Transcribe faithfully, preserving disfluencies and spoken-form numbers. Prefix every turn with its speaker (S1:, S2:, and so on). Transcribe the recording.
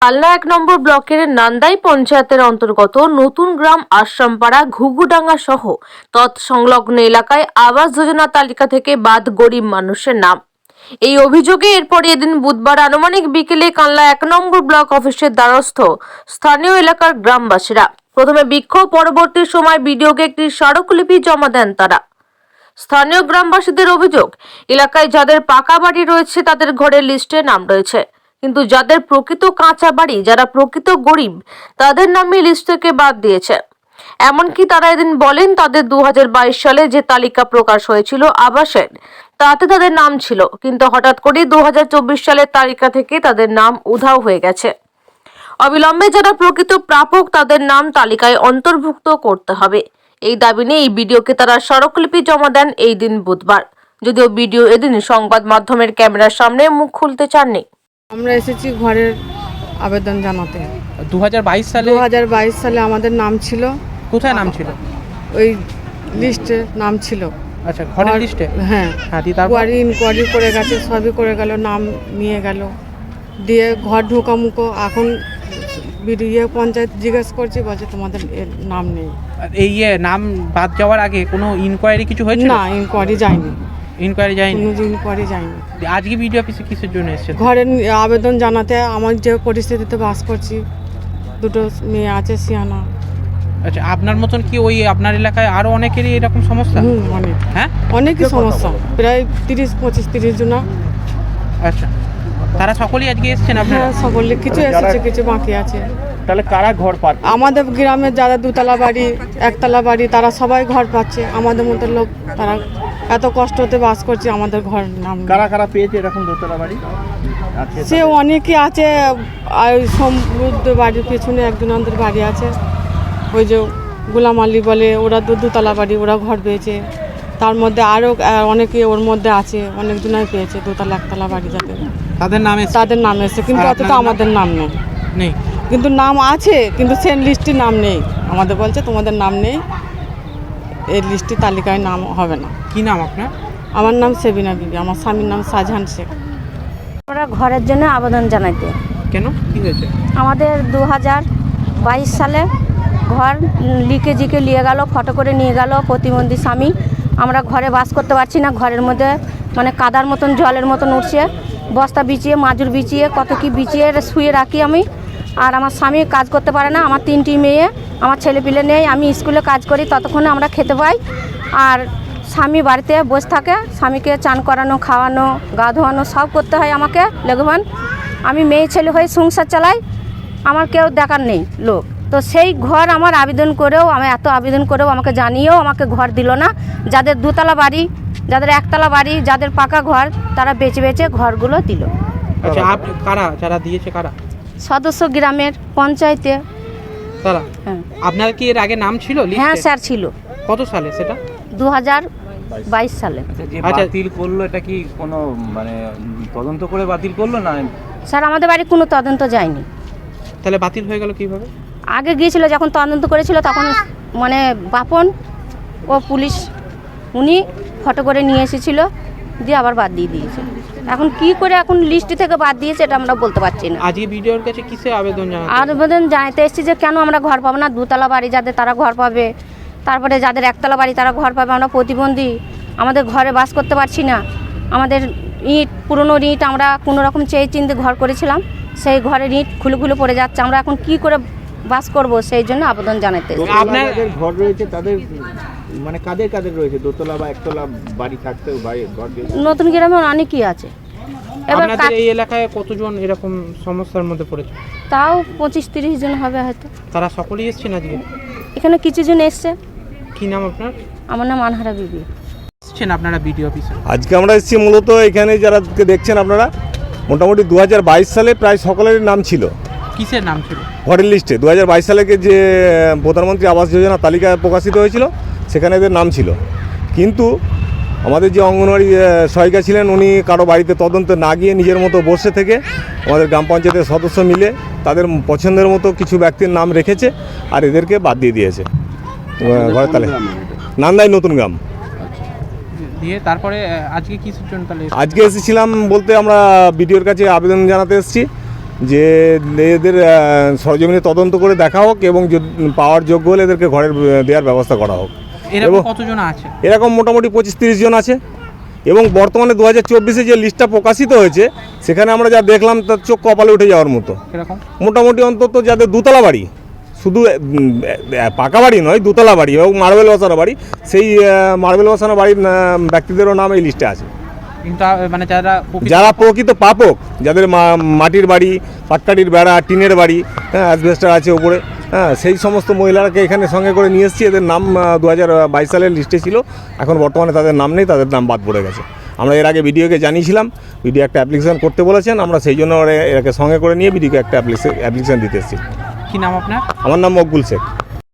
S1: কালনা এক নম্বর ব্লকের নান্দাই পঞ্চায়েতের অন্তর্গত নতুন গ্রাম আশ্রামপাড়া ঘুঘুডাঙ্গা সহ তৎসংলগ্ন এলাকায় আবাস যোজনা তালিকা থেকে বাদ গরিব মানুষের নাম। এই অভিযোগে এরপর এদিন বুধবার আনুমানিক বিকেলে কালনা এক নম্বর ব্লক অফিসের দ্বারস্থ স্থানীয় এলাকার গ্রামবাসীরা প্রথমে বিক্ষোভ, পরবর্তী সময় বিডিওকে একটি স্মারকলিপি জমা দেন তারা। স্থানীয় গ্রামবাসীদের অভিযোগ, এলাকায় যাদের পাকা বাড়ি রয়েছে তাদের ঘরের লিস্টে নাম রয়েছে, কিন্তু যাদের প্রকৃত কাঁচা বাড়ি, যারা প্রকৃত গরিব, তাদের নামে লিস্ট থেকে বাদ দিয়েছে। এমনকি তারা এদিন বলেন তাদের দু হাজার বাইশ সালে যে তালিকা প্রকাশ হয়েছিল আবাসের, তাতে তাদের নাম ছিল, কিন্তু হঠাৎ করে দু হাজার চব্বিশ সালের তালিকা থেকে তাদের নাম উধাও হয়ে গেছে। অবিলম্বে যারা প্রকৃত প্রাপক তাদের নাম তালিকায় অন্তর্ভুক্ত করতে হবে। এই দাবি নিয়ে এই ভিডিওকে তারা স্মারকলিপি জমা দেন এই দিন বুধবার। যদিও ভিডিও এদিন সংবাদ মাধ্যমের ক্যামেরার সামনে মুখ খুলতে চাননি।
S2: আমরা এসেছি ঘরের আবেদন জানাতে।
S3: দু হাজার বাইশ সালে
S2: দু হাজার বাইশ সালে আমাদের নাম ছিল।
S3: কোথায় নাম ছিল?
S2: ওই লিস্টে নাম ছিল।
S3: আচ্ছা, ঘরের লিস্টে?
S2: হ্যাঁ
S3: হ্যাঁ, দি তারপর
S2: কোয়ারি ইনকোয়ারি করে গেছে, সবই করে গেল, নাম নিয়ে গেল, দিয়ে ঘর ঢোকামুখো। এখন বিডিও পঞ্চায়েত জিজ্ঞেস করছি, বলছে তোমাদের এর নাম নেই।
S3: এই ইয়ে নাম বাদ যাওয়ার আগে কোনো ইনকোয়ারি কিছু হয়েছিল?
S2: না, ইনকোয়ারি যায়নি,
S3: ইনকোয়ারি যায়নি।
S2: কোনো ইনকোয়ারি যায়নি।
S3: আজকে ভিডিও অফিসে কিসের জন্য এসেছেন?
S2: ঘরের আবেদন জানাতে। আমার যে পরিস্থিতিতে বাস করছি, দুটো মেয়ে আছে সিয়ানা।
S3: আচ্ছা, আপনার মতন কি ওই আপনার এলাকায় আরো অনেকেরই এরকম সমস্যা?
S2: হুম, অনেক।
S3: হ্যাঁ,
S2: অনেকই সমস্যা, প্রায় তিরিশ পঁচিশ তিরিশ জনা।
S3: আচ্ছা, তারা সকলেই আজকে এসেছেন আপনারা?
S2: হ্যাঁ, সকলে কিছু এসেছে, কিছু বাকি আছে।
S4: তাহলে কারা ঘর পাচ্ছে?
S2: আমাদের গ্রামের যারা দুতলা বাড়ি, একতলা বাড়ি, তারা সবাই ঘর পাচ্ছে। আমাদের মতো লোক, তারা এত কষ্টতে বাস করছে, আমাদের ঘর নাম নেই।
S4: কারা কারা পেয়েছে এরকম দোতলা বাড়ি? আছে
S2: সে অনেকই আছে। আর সমৃদ্ধ বাড়ির পেছনে একজনের বাড়ি আছে, ওই যে গোলাম আলী বলে, ওরা দু দুতলা বাড়ি, ওরা ঘর পেয়েছে। তার মধ্যে আরও অনেকে ওর মধ্যে আছে, অনেকজনাই পেয়েছে দোতলা একতলা বাড়ি, যাতে
S3: তাদের নামে
S2: তাদের নাম এসেছে, কিন্তু
S3: আর
S2: অথচ
S3: আপনাদের
S2: আমাদের নাম নেই।
S3: নেই,
S2: কিন্তু নাম আছে, কিন্তু সেই লিস্টে নাম নেই। আমাদের বলছে তোমাদের নাম নেই, এই লিস্টে তালিকায় নাম হবে না।
S3: কি নাম আপনার?
S2: আমার নাম সেবিনা বিবি, আমার স্বামীর নাম শাহজাহান শেখ।
S5: আমরা ঘরের জন্য আবেদন জানাইতে।
S3: কেন, কি হয়েছে?
S5: আমাদের দু হাজার বাইশ সালে ঘর লিখে জিকে নিয়ে গেল, ফটো করে নিয়ে গেল প্রতিবন্ধী স্বামী। আমরা ঘরে বাস করতে পারছি না, ঘরের মধ্যে মানে কাদার মতন জলের মতন উঠছে, বস্তা বিছিয়ে মাজুর বিছিয়ে কত কি বিছিয়ে শুয়ে রাখি আমি। আর আমার স্বামী কাজ করতে পারে না, আমার তিনটি মেয়ে, আমার ছেলে পিলে নেই, আমি স্কুলে কাজ করি, ততক্ষণে আমরা খেতে পাই। আর স্বামী বাড়িতে বসে থাকে, স্বামীকে চান করানো, খাওয়ানো, গা ধোয়ানো সব করতে হয় আমাকে লেগবান। আমি মেয়ে ছেলে হয়ে সংসার চালাই, আমার কেউ দেখার নেই লোক। তো সেই ঘর আমার আবেদন করেও, আমি এত আবেদন করেও আমাকে জানিয়েও আমাকে ঘর দিল না। যাদের দুতলা বাড়ি, যাদের একতলা বাড়ি, যাদের পাকা ঘর, তারা বেচে বেচে ঘরগুলো দিল।
S3: আচ্ছা, আপ কারা যারা দিয়েছে কারা?
S5: সদস্য গ্রামের পঞ্চায়েতে।
S3: তারা?
S5: হ্যাঁ।
S3: আপনার কি এর আগে নাম ছিল লিস্টে?
S5: হ্যাঁ স্যার, ছিল
S3: কত সালে সেটা?
S5: দু হাজার বাইশ সালে।
S4: যে
S3: আচ্ছা।
S4: বাতিল করলো, এটা কি কোনো মানে তদন্ত করে বাতিল করলো না?
S5: স্যার আমাদের বাড়ি কোনো তদন্ত যায়নি।
S3: তাহলে বাতিল হয়ে গেল কিভাবে?
S5: আগে গিয়েছিল, যখন তদন্ত করেছিল তখন মানে বাপন ও পুলিশ উনি ফটো করে নিয়ে এসেছিল, দিয়ে আবার বাদ দিয়ে দিয়েছে। এখন কি করে এখন লিস্ট থেকে বাদ দিয়েছে এটা আমরা বলতে পারছি না।
S3: আজকে ভিডিওর কাছে কিসে আবেদন জানাতে?
S5: আবেদন জানাতে এসেছি যে কেন আমরা ঘর পাবো না, দুতলা বাড়ি যাদের তারা ঘর পাবে, তারপরে যাদের একতলা বাড়ি তারা ঘর পাবে। আমরা প্রতিবন্ধী, আমাদের ঘরে বাস করতে পারছি না। আমাদের ইট, পুরনো ইট আমরা কোনো রকম চেয়ে চিনতে ঘর করেছিলাম, সেই ঘরের ইট খুলে খুলে পড়ে যাচ্ছে। আমরা এখন কি করে বাস করব, সেই জন্য আবেদন জানাতে এসেছি।
S4: আপনার ঘর রয়েছে, তাদের মানে কাদের কাদের রয়েছে দোতলা বা একতলা বাড়ি থাকতেও বাড়ি ঘর রয়েছে?
S5: নতুন গ্রামে অনেকই আছে। এবার
S3: আপনাদের এই এলাকায় কতজন এরকম সমস্যার মধ্যে পড়েছে?
S5: তাও পঁচিশ তিরিশ জন হবে হয়তো।
S3: তারা সকলেই এসেছেন আজকে?
S5: এখানে কিছু জন এসছে।
S3: কি নাম আপনার?
S5: আমার নাম আনহারা বিবি।
S3: এসেছেন আপনারা ভিডিও অফিসে?
S6: আজকে আমরা এসেছি মূলত এখানে যারা দেখছেন আপনারা, মোটামুটি দু হাজার বাইশ সালে প্রায় সকলেরই নাম ছিল
S3: কিসের নাম ছিল
S6: ঘরের লিস্টে। দু হাজার বাইশ সালে যে প্রধানমন্ত্রী আবাস যোজনা তালিকা প্রকাশিত হয়েছিল সেখানে এদের নাম ছিল, কিন্তু আমাদের যে অঙ্গনওয়াড়ি সহায়িকা ছিলেন উনি কারো বাড়িতে তদন্ত না গিয়ে নিজের মতো বসে থেকে আমাদের গ্রাম পঞ্চায়েতের সদস্য মিলে তাদের পছন্দের মতো কিছু ব্যক্তির নাম রেখেছে আর এদেরকে বাদ দিয়ে দিয়েছে ঘরের তালিকা। নান্দাই নতুন গ্রাম।
S3: দিয়ে তারপরে আজকে কিসের জন্য তাহলে?
S6: আজকে এসেছিলাম বলতে আমরা বিডিওর কাছে আবেদন জানাতে এসেছি যে এদের আহ, সরজমিনে তদন্ত করে দেখা হোক এবং যদি পাওয়ার যোগ্য হলে এদেরকে ঘরের আহ, দেওয়ার ব্যবস্থা করা হোক।
S3: এরকম
S6: এবং-
S3: কতজন আছে?
S6: এরকম মোটামুটি পঁচিশ তিরিশ জন আছে এবং বর্তমানে দু হাজার চব্বিশে যে লিস্টটা প্রকাশিত হয়েছে সেখানে আমরা যা দেখলাম তার চোখ কপালে উঠে যাওয়ার মতো।
S3: এরকম
S6: মোটামুটি অন্তত যাদের দুতলা বাড়ি, শুধু উম, পাকা বাড়ি নয়, দুতলা বাড়ি এবং মার্বেল বসানো বাড়ি, সেই মার্বেল বসানো বাড়ির আহ, ব্যক্তিদেরও নাম এই লিস্টে আছে।
S3: কিন্তু আহ, মানে যারা প্রকৃত-
S6: যারা প্রকৃত পাপক, যাদের মা- মাটির বাড়ি, পাটকাঠির বেড়া, টিনের বাড়ি, হ্যাঁ অ্যাসবেস্টার আছে উপরে, হ্যাঁ সেই সমস্ত মহিলারাকে এখানে সঙ্গে করে নিয়ে এসেছি। এদের নাম দু হাজার বাইশ সালের লিস্টে ছিল, এখন বর্তমানে তাদের নাম নেই, তাদের নাম বাদ পড়ে গেছে। আমরা এর আগে বিডিওকে জানিয়েছিলাম, বিডিও একটা অ্যাপ্লিকেশন করতে বলেছেন, আমরা সেই জন্য ওরা- এরাকে সঙ্গে করে নিয়ে বিডিওকে একটা অ্যাপ্লিকেশন দিতে এসেছি।
S3: কি নাম আপনার?
S6: আমার নাম মকবুল শেখ।